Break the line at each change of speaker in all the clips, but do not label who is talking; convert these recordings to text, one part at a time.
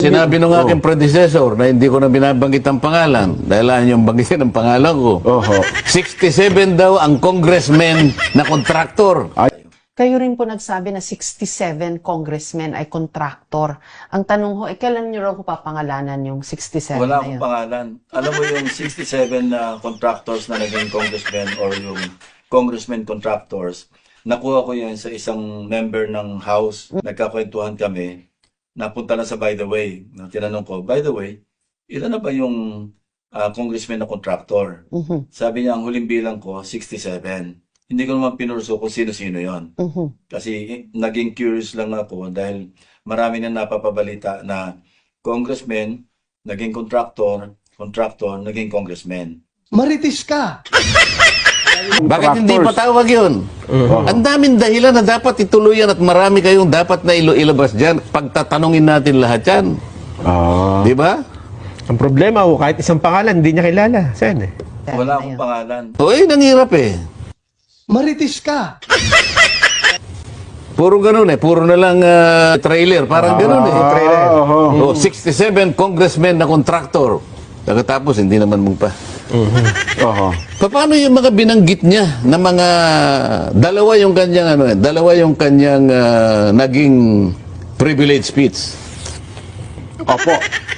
Sinabi nung aking predecessor na hindi ko na binabanggit ang pangalan dahil ayaw niyong banggitin ang pangalan ko.
Oho.
67 daw ang congressman na kontraktor.
Kayo rin po nagsabi na 67 congressmen ay kontraktor. Ang tanong ho, kailan niyo raw ko papangalanan yung 67
Wala
na
akong
yun?
pangalan. Alam mo yung 67 na contractors na naging congressmen or yung congressmen contractors, nakuha ko yan sa isang member ng House. Nagkakwentuhan kami. Napunta na sa by the way. Tinanong ko, by the way, ilan na ba yung congressman na contractor? Sabi niya, ang huling bilang ko, 67. Hindi ko naman pinurso kung sino-sino yon. Kasi naging curious lang ako dahil marami na napapabalita na congressman, naging contractor, naging congressman.
Maritis ka!
Bakit hindi patawag yun? Ang daming dahilan na dapat ituloy yan at marami kayong dapat na ilabas dyan. Pagtatanungin natin lahat yan. Di ba?
Ang problema ho, kahit isang pangalan, hindi niya kilala. Sen eh.
Wala akong pangalan.
O nanghirap eh.
Maritis ka!
Puro ganun eh. Puro na lang trailer. Parang ganun eh.
Trailer.
O, 67 congressmen na kontraktor. Pagkatapos, hindi naman mong pa.
Oho.
Paano yung mga binanggit niya na mga dalawa yung kanyang naging privilege speech.
Opo.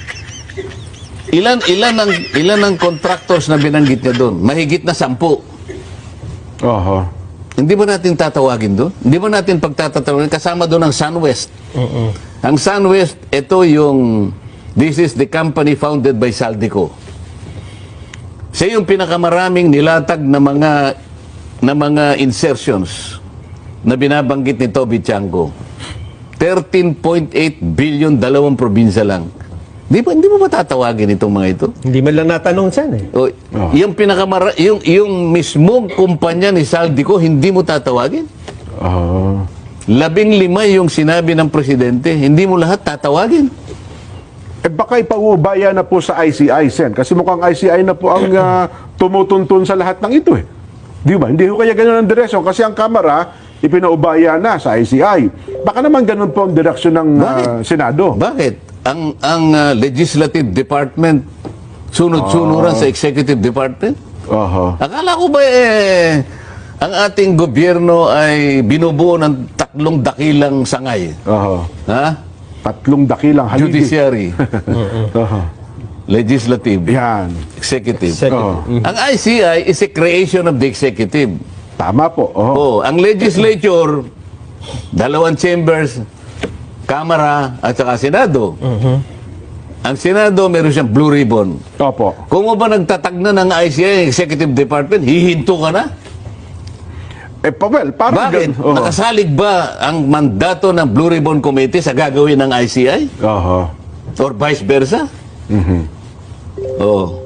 Ilan ang contractors na binanggit niya doon? Mahigit na 10.
Oho.
Hindi ba natin tatawagin doon? Hindi ba natin pagtatatawagin? Kasama doon ang SunWest. Ang SunWest, this is the company founded by Saldico. Siya yung pinakamaraming nilatag na mga insertions na binabanggit ni Toby Chango. 13.8 billion, 2 probinsya lang. Hindi mo matatawagin itong mga ito?
Hindi man lang natanong Sen eh.
O, yung mismong kumpanya ni Saldico, hindi mo tatawagin? 15 yung sinabi ng presidente, hindi mo lahat tatawagin?
Eh baka ipaubaya na po sa ICI, Sen. Kasi mukhang ICI na po ang tumutuntun sa lahat ng ito eh. Di ba? Hindi ko kaya ganun ang direksyon kasi ang Kamara ipinaubaya na sa ICI. Baka naman ganun po ang direksyon ng Senado.
Bakit? Ang legislative department sunod-sunuran sa executive department?
Oho.
Akala ko ba ang ating gobyerno ay binubuo ng 3 dakilang sangay?
Oho.
Ha?
3 dakilang haligi.
Judiciary,
Oho.
legislative,
Yan.
executive.
Oho.
Ang ICI is a creation of the executive.
Tama po. Oho.
Oh, ang legislature, 2 chambers, Kamara at saka Senado. Ang Senado, meron siyang blue ribbon.
Opo.
Kung mo ba nagtatag na ng ICI, Executive Department, hihinto ka na?
Well, parang
Bakit?
Oho.
Nakasalig ba ang mandato ng Blue Ribbon Committee sa gagawin ng ICI?
Oho.
Or vice versa? Oh.